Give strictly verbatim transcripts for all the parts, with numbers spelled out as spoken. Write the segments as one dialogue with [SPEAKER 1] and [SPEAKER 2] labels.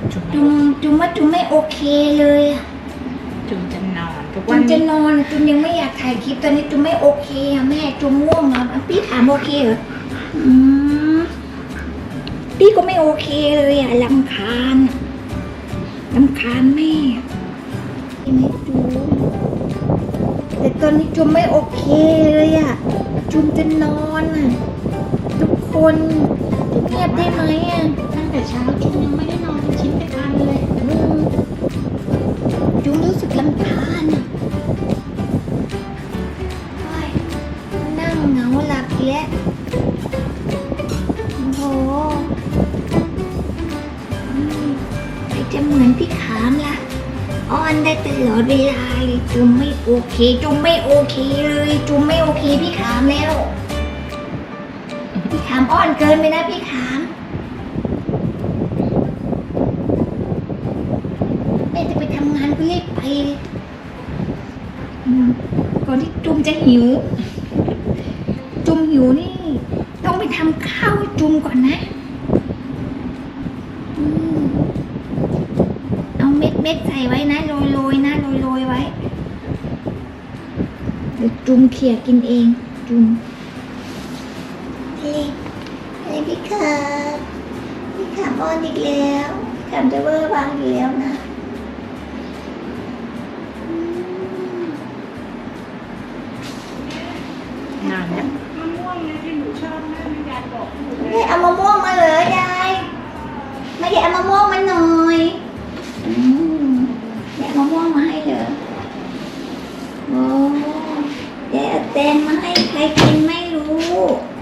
[SPEAKER 1] จุ๋ม
[SPEAKER 2] จุมจุมว่าจุมไม่โอเคเลยอะ
[SPEAKER 1] จุ๋มจะนอนทุก
[SPEAKER 2] จุ
[SPEAKER 1] วัน
[SPEAKER 2] มจะ
[SPEAKER 1] นี้
[SPEAKER 2] นอนอะจุมยังไม่อยากถ่ายคลิปตอนนี้จุมไม่โอเคอะแม่จุมง่วงนอนอ่ะพี่ถามโอเคเหรออืมพี่ก็ไม่โอเคเลยอะรำคาญอะรำคาญแม่ใช่ไหมจุมแต่ตอนนี้จุมไม่โอเคเลยอะจุมจะนอนอะทุกคนเงียบได้ไหมอะ
[SPEAKER 1] ตั้งแต่เช้าจุ๋มยังไม่ได้นอนเป็นชิ้นเป็นอันเลย
[SPEAKER 2] อืมจุงรู้สึกลำคาญอ่ะโอ๊ยนั่งเหงาหลับอีกแล้วโอ้โหอืมใครจะเหมือนพี่ขามล่ะอ้อนได้ตลอดเวลาเลยจุมไม่โอเค จุมไม่โอเคเลยจุมไม่โอเคพี่ขามแล้ว พี่ขามอ้อนเกินไปนะพี่ขามแม่จะไปทำงานก็รีบไปเลยอืมก่อนที่จุมจะหิว จุมหิวนี่ ต้องไปทำข้าวให้จุมก่อนนะอืมเอาเม็ดเม็ดใส่ไว้นะโรยโรยนะโรยโรยไว้เดี๋ยวจุมเขี่ยกินเอง จุมเฮ้ยเฮ้ยพี่ขาบพี่ขาบอ้อนอีกแล้วพี่ขาบจะเวอร์วางอีกแล้วนะ
[SPEAKER 1] นานแล้ว
[SPEAKER 3] มะม่วงนะที่หนูชอบแม่แม่ยายบอกหนูเล
[SPEAKER 2] ไม่
[SPEAKER 3] ย
[SPEAKER 2] เอามะม่วงมาเหรอยายไม่ได้เอามะม่วงมาหน่อยอืมยายเอามะม่วงมาให้เหรอโอ้ยายเอาแตงมาให้ใครกินไม่รู้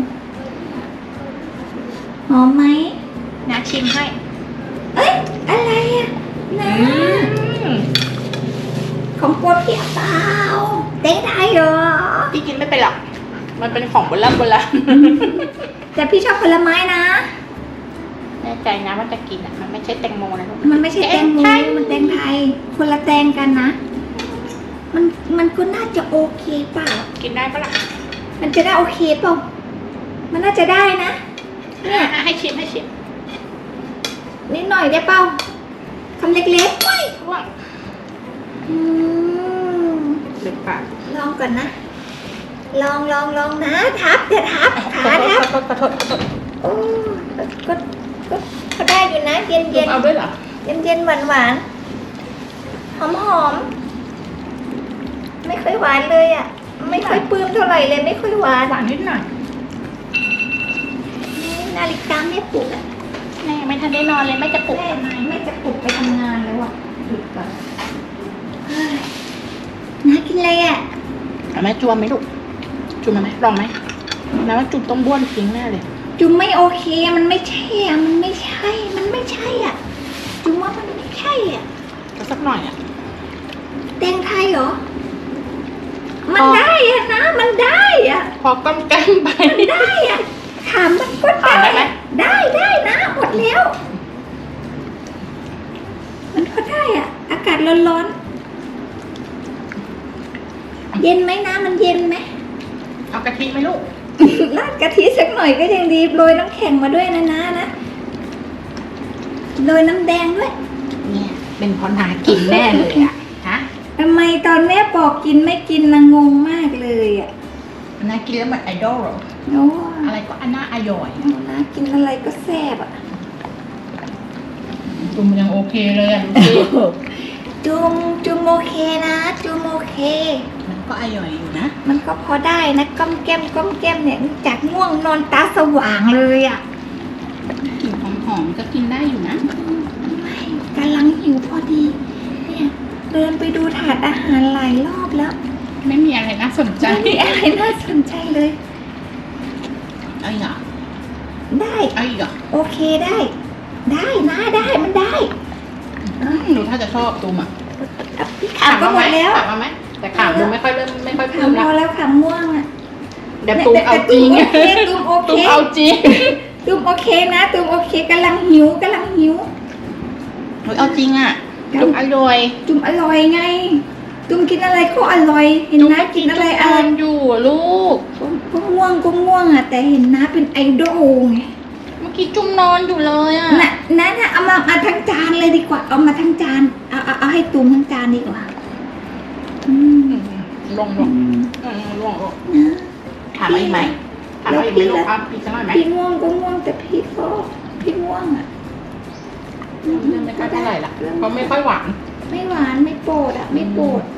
[SPEAKER 2] หอมไหม
[SPEAKER 1] น้าชิมให้
[SPEAKER 2] เอ้ยอะไรอ่ะนะ
[SPEAKER 1] อืม
[SPEAKER 2] ของโปรดพี่เปล่าแตงไทยเหรอ
[SPEAKER 1] พี่กินไม่เป็นหรอกมันเป็นของโบราณโบราณ
[SPEAKER 2] แต่พี่ชอบผลไม้นะ
[SPEAKER 1] แน่ใจนะว่าจะกินอ่ะมันไม่ใช่แตงโมนะลูก
[SPEAKER 2] มันไม่ใช่แตงโม
[SPEAKER 1] ไทย
[SPEAKER 2] มันแตงไทย คนละแตงกันนะ มันมันก็น่าจะโอเคเปล่า
[SPEAKER 1] กินได้ปะล่ะ
[SPEAKER 2] มันจะได้โอเคเปล่า มันน่าจะได้นะ เนี่ย
[SPEAKER 1] อ่ะให้ชิมให้ชิม
[SPEAKER 2] นิดหน่อยได้เปล่าคำเล็กๆเว้ย
[SPEAKER 1] ว่าง
[SPEAKER 2] อืม
[SPEAKER 1] เด็ดปาก
[SPEAKER 2] ลองก่อนนะ ลองลองลองนะ ทับอย่าทับ ขาทับ
[SPEAKER 1] ขอโทษขอโทษขอโทษ
[SPEAKER 2] โอ้ก็ก็ก็ก็ได้อยู่นะ เย็น
[SPEAKER 1] จุ๋
[SPEAKER 2] เย็
[SPEAKER 1] ม
[SPEAKER 2] น
[SPEAKER 1] เอาด้วยเหรอ
[SPEAKER 2] เย็นเย็นหวานหวานหอมหอมไม่ค่อยหวานเลยอ่ะ ไม่ค่อยปลื้มเท่าไหร่เลย ไม่ค่อยหวาน
[SPEAKER 1] หวานนิดหน่อย
[SPEAKER 2] นี่นาฬิกาไม่ปลุกอ่ะ
[SPEAKER 1] แม่ไม่ทันได้นอนเลยแม่จะปลุก
[SPEAKER 2] แม่
[SPEAKER 1] ทำไม
[SPEAKER 2] แม่จะปลุกไปทำงานแล้วอ่ะหยุดก่อนเฮ้ยน้ากินอะไรอ่ะ
[SPEAKER 1] เอาไหมจวมไหมลูกจุ่มเอาไหมลองไหมแล้วจุ่มต้องบ้วนทิ้งแน่เลย
[SPEAKER 2] จุมไม่โอเค มันไม่ใช่อ่ะ มันไม่ใช่ มันไม่ใช่อ่ะ จุมว่ามันไม่ใช่อ่ะ
[SPEAKER 1] ก็สักหน่อยอ่ะ
[SPEAKER 2] แตงไทยเหรอ มันได้อ่ะนะ มันได้อ่ะ
[SPEAKER 1] พอก้มแก้มไป
[SPEAKER 2] มันได้อ่ะ ถามมันก็
[SPEAKER 1] ถามได้ไหม
[SPEAKER 2] ได้ได้นะหมดแล้ว มันก็ได้อ่ะ อากาศร้อนๆ เย็นไหมนะมันเย็นไหม
[SPEAKER 1] เอากะทิไหมลูก
[SPEAKER 2] ราดกะทิสักหน่อยก็ยังดีโรยน้ำแข็งมาด้วยนะนะนะโรยน้ำแดงด้วย
[SPEAKER 1] เนี่ยเป็นเพราะนากินแน่เลยอ่ะฮะ
[SPEAKER 2] ทำไมตอนแม่บอกกินไม่กินนะงงมากเลยอ่ะ
[SPEAKER 1] นากินแล้วเหมือนไอดอลเหรอ
[SPEAKER 2] โอ้
[SPEAKER 1] อะไรก็อันน่าอร่อย
[SPEAKER 2] นะกินอะไรก็แซ่บอ่ะ
[SPEAKER 1] จุ่มยังโอเคเลยอ่ะดูสิ
[SPEAKER 2] จุมจุมโอเคนะจุมโอเค
[SPEAKER 1] มันก็อร่อยอยู่นะ
[SPEAKER 2] มันก็พอได้นะก้มแก้มก้มแก้มเนี่ยจากง่วงนอนตาสว่างเลยอ่ะ
[SPEAKER 1] กลิ่นหอมๆก็กินได้อยู่นะ
[SPEAKER 2] ไม่กำลังหิวพอดีเนี่ยเดินไปดูถาดอาหารหลายรอบแล้ว
[SPEAKER 1] ไม่มีอะไรน่าสนใจ
[SPEAKER 2] ไม่มีอะไรน่าสนใจเลย
[SPEAKER 1] เอาอีกเหรอ
[SPEAKER 2] ได้
[SPEAKER 1] เอาอีกเหรอ
[SPEAKER 2] โอเคได้ ได้นะได้มันได้
[SPEAKER 1] อืมหนูถ้าจะชอบตูมอ่ะ
[SPEAKER 2] อ่ะพี่ขาวก็หมดแล้ว
[SPEAKER 1] ถามมาไหมแต่ขาวดูไม่ค่อยเริ่มไม่ค่อย
[SPEAKER 2] ขา
[SPEAKER 1] เพิ่
[SPEAKER 2] ว
[SPEAKER 1] ม
[SPEAKER 2] พ
[SPEAKER 1] ละ
[SPEAKER 2] อแล้วขาวม่วงอ่ะ
[SPEAKER 1] เดี๋ยวตูมเอาจริง
[SPEAKER 2] แต่ตูมโอเค
[SPEAKER 1] ตู
[SPEAKER 2] ตู
[SPEAKER 1] ม
[SPEAKER 2] มโอ
[SPEAKER 1] เอา
[SPEAKER 2] เค
[SPEAKER 1] จริง
[SPEAKER 2] ตูมโอเคนะตูมโอเคกำลังหิวกำลังหิว
[SPEAKER 1] หนูเอาจริงอ่ะตูมอร่อย
[SPEAKER 2] จุ่มอร่อยไง จุ่มกินอะไรก็อร่อย เห็นนะกินอะไรอร่อย
[SPEAKER 1] อยู่อะลูก
[SPEAKER 2] ก็ง่วงก็ง่วงอ่ะ แต่เห็นนะเป็นไอดอลไง
[SPEAKER 1] เมื่ออกี้จุ่มนอนอยู่เลยอ่ะ
[SPEAKER 2] น่ะนั่นน่ะเอามาเอาทั้งจานเลยดีกว่า เอามาทั้งจาน เอาเอาเอาให้ตูมทั้งจานดีกว่า อืม
[SPEAKER 1] ลงล
[SPEAKER 2] อื
[SPEAKER 1] ง
[SPEAKER 2] ม
[SPEAKER 1] เออลงลง
[SPEAKER 2] นะ
[SPEAKER 1] ถามอะไรอีกไหมถามอะไรอีกไหมลูกครับพี่จะหน่อยไหม
[SPEAKER 2] พี่ง่วงก็ง่วงแต่พี่ก็พี่ง่วงอ่ะ
[SPEAKER 1] เรื่องไม่ค่อยเท่าไหร่ละเพราะไม่ค่อยหวาน
[SPEAKER 2] ไม่หวานไม่โปรดอ่ะ ไม่โปรด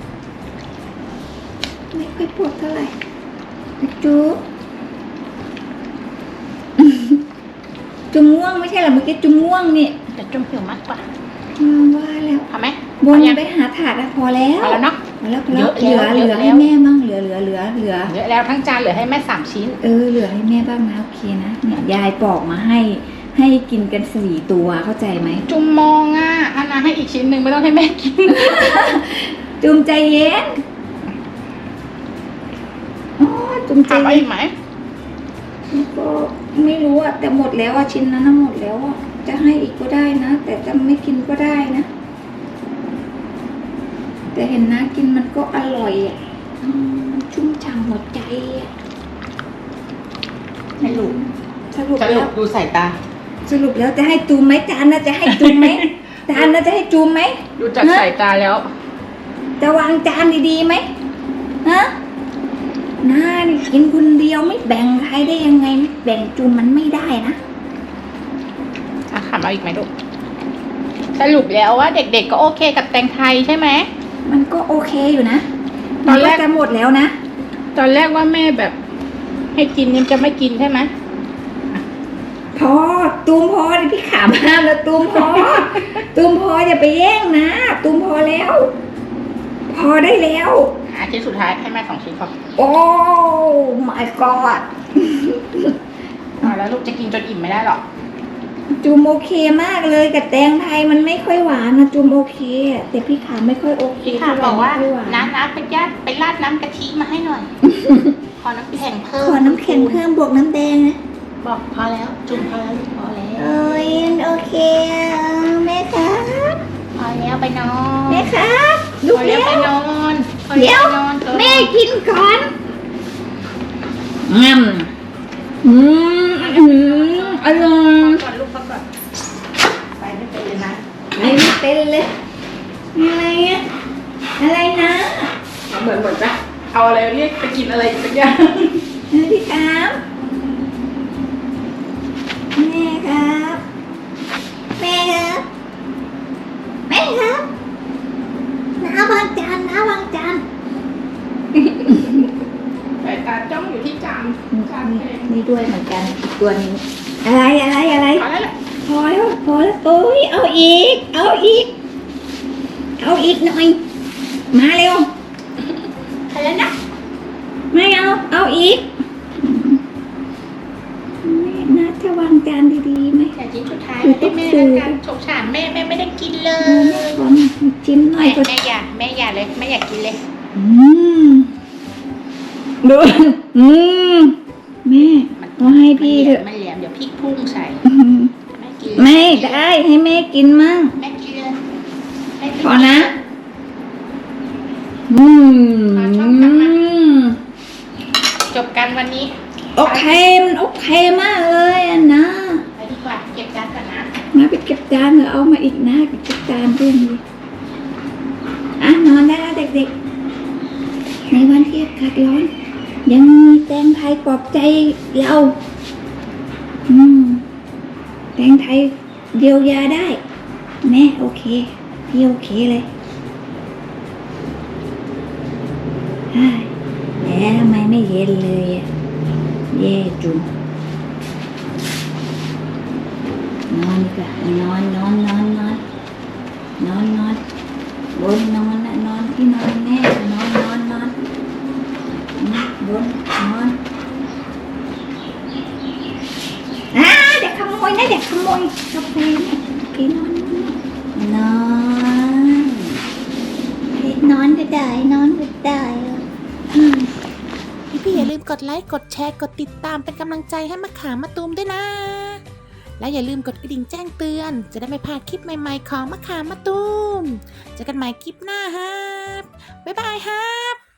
[SPEAKER 2] ไม่ค่อยโปรดเท่าไหร่จุ๊บ จุ๊บง่วงไม่ใช่เหรอเมื่อกี้จุ๊บง่วงนี่
[SPEAKER 1] แต่จุ่มหิวมากกว่า
[SPEAKER 2] อืมว่าแล้ว
[SPEAKER 1] เอาไหม
[SPEAKER 2] บน
[SPEAKER 1] เอายัง
[SPEAKER 2] ไปหาถาดอะพอแล้ว
[SPEAKER 1] เอาแล้วเนาะ
[SPEAKER 2] พอแล้วพอแล้ว
[SPEAKER 1] เย
[SPEAKER 2] เหลื
[SPEAKER 1] อะ
[SPEAKER 2] อ
[SPEAKER 1] แล้ว
[SPEAKER 2] เหลือ
[SPEAKER 1] เยอะแล้ว
[SPEAKER 2] ให้แม่บ้างเหลือเหลือเหลือเหลือ
[SPEAKER 1] เยอะแล้วทั้งจานเหลือให้แม่สามชิ้น
[SPEAKER 2] เออเหลือให้แม่บ้างนะโอเคนะเนี่ยยายปอกมาให้ ให้กินกันสี่ตัวเข้าใจไหม
[SPEAKER 1] จุ่มมองอ่ะอันนั้นให้อีกชิ้นหนึ่งไม่ต้องให้แม่กิน
[SPEAKER 2] จุ่มใจเย็นอ๋อจุ่มใจ
[SPEAKER 1] ถามอะไร
[SPEAKER 2] เย็
[SPEAKER 1] อี
[SPEAKER 2] น
[SPEAKER 1] กไหม
[SPEAKER 2] ก็ไม่รู้อะแต่หมดแล้วอะชิ้นนั้นน่ะหมดแล้วอะจะให้อีกก็ได้นะ แต่จะไม่กินก็ได้นะ แต่เห็นนะกินมันก็อร่อยอะอืมมันชุ่มฉ่ำหัวใจอะ
[SPEAKER 1] ให้ลูก
[SPEAKER 2] สรุป
[SPEAKER 1] จะ
[SPEAKER 2] แล้
[SPEAKER 1] ลู
[SPEAKER 2] ว
[SPEAKER 1] กดูสายตา
[SPEAKER 2] สรุปแล้วจะให้จูมไหมจานน่ะจะให้จูมไหม จานน่ะจะให้จูมไหม
[SPEAKER 1] ดูจากสายตาแล้ว
[SPEAKER 2] จะวางจานดีๆไหมฮะน้านี่กินคนเดียวไม่แบ่งใครได้ยังไงไม่แบ่งจูมมันไม่ได้นะ
[SPEAKER 1] อ่ะถามเอาอีกไหมลูกสรุปแล้วว่าเด็กๆก็โอเคกับแตงไทยใช่ไหม
[SPEAKER 2] มันก็โอเคอยู่นะ
[SPEAKER 1] ตอนแรก
[SPEAKER 2] มัจะหมดแล้วนะ
[SPEAKER 1] ตอนแรกว่าแม่แบบ ให้กินยังจะไม่กินใช่ไหม
[SPEAKER 2] พอตูมพอดิพี่ขามห้ามแล้วตูมพอ ตูมพออย่าไปแย่งนะตูมพอแล้ว พอได้แล้ว
[SPEAKER 1] อ่ะชิ้นสุดท้ายให้แม่สองชิ้นพอ
[SPEAKER 2] โอ้ my god
[SPEAKER 1] อ่ะแล้วลูกจะกินจนอิ่มไม่ได้หรอก
[SPEAKER 2] จูมโอเคมากเลยกับแตงไทยมันไม่ค่อยหวานนะจูมโอเคอะแต่พี่ขามไม่ค่อยโอเค
[SPEAKER 1] พี่ค่ะบอกว่า
[SPEAKER 2] ไม่ค่อยหวาน
[SPEAKER 1] น้ำน้ำไปยัดไปราดน้ำกะทิมาให้หน่อย ขอน้ำแข็งเพิ่ม
[SPEAKER 2] ขอน้ำแข็งเพิ่มบวกน้ำแดงนะ
[SPEAKER 1] บอกพอแล้ว จุ่มพอแล้วลูกพอแล้ว
[SPEAKER 2] โอ้ยโอเคอะแม่ครับ
[SPEAKER 1] พอแล้วไปนอน
[SPEAKER 2] แม่ครับ
[SPEAKER 1] พ
[SPEAKER 2] ลู
[SPEAKER 1] อก แล้
[SPEAKER 2] เลี้
[SPEAKER 1] ว
[SPEAKER 2] ยว
[SPEAKER 1] ไปนอนพอ
[SPEAKER 2] เดี๋
[SPEAKER 1] แล้
[SPEAKER 2] ยว ว
[SPEAKER 1] ไปนอนเถอะ
[SPEAKER 2] แม่กินก่อนอืมอืมอืมอร่อย
[SPEAKER 1] ก่อนลูกพักก่อนไปไม่เป็นเลยนะ
[SPEAKER 2] ไม่เป็นเลยอะไรอะอะไรนะ
[SPEAKER 1] เหมือนเหมือนจะเอาอะไรเรียกไปกินอะไรสักอย่าง
[SPEAKER 2] เออพี่ครับแม่ครับแม่ครับแม่ครับน้าวางจานน้าวางจาน
[SPEAKER 1] สายตาจ้องอยู่ที่จานจาน
[SPEAKER 2] นี่
[SPEAKER 1] เอง
[SPEAKER 2] นี่ด้วยเหมือนกันอีกตัวนี้อะไรอะไรอะไร
[SPEAKER 1] พอแล้วแหละ
[SPEAKER 2] พอแล้วพอแล้วโอ้ยเอาอีก เอาอีก เอาอีกหน่อย มาเร็ว
[SPEAKER 1] พอแล้วนะ
[SPEAKER 2] ไม่เอา เอาอีกแม่นะจะวางจานดีๆไหม
[SPEAKER 1] แต่ชิ้นสุดท้ายให้แม่แล้วกันสงสารแม่แม่ไม่ได้กินเล
[SPEAKER 2] เออแม่
[SPEAKER 1] ย
[SPEAKER 2] ขอจิ้มหน่อย
[SPEAKER 1] แม่
[SPEAKER 2] ก็
[SPEAKER 1] แม่อย่าแม่อย่าเลยแม่อยากกินเลย
[SPEAKER 2] อืมดูอืมแม่เอาให้พี่เถอะ
[SPEAKER 1] มันเหลี่ยมเดี๋ยวพริกพุ่งใส่
[SPEAKER 2] อืม
[SPEAKER 1] แม่กิน
[SPEAKER 2] ไม่ได้ให้แม่กินมั่ง
[SPEAKER 1] แม่กินเลยแม่กิ
[SPEAKER 2] พอนะ อืม
[SPEAKER 1] จบกันวันนี้
[SPEAKER 2] โอเค มันโอเคมากเลยอะนะ
[SPEAKER 1] ไปดีกว่าเก็บจานก่อนนะ
[SPEAKER 2] มาไปเก็บจานเถอะเอามาอีกนะไปเก็บจานเรื่องนี้อ่ะนอนได้แล้วเด็กๆ ในวันที่อากาศร้อน ยังมีแตงไทยปลอบใจเรา อืม แตงไทยเยียวยาได้ แม่โอเค พี่โอเคเลยเฮ้ยแล้วทำไมไม่เย็นเลยอะเย่จุงนอนดีกว่านอนนอนนอนนอนนอนนอนบนนอนนะนอนที่นอนแม่นอนนอนนอนนอนบนนอนอ่าเด็กขโมยนะเด็กขโมยกาแฟเนี่ยโอเคนอนนอนนอนก็ได้นอนก็ได้อืม
[SPEAKER 4] พี่ๆอย่าลืมกดไลค์ กดแชร์ กดติดตามเป็นกำลังใจให้มะขามมะตูมด้วยนะ และอย่าลืมกดกระดิ่งแจ้งเตือน จะได้ไม่พลาดคลิปใหม่ๆของมะขามมะตูม เจอกันใหม่คลิปหน้าครับ บ๊ายบายครับ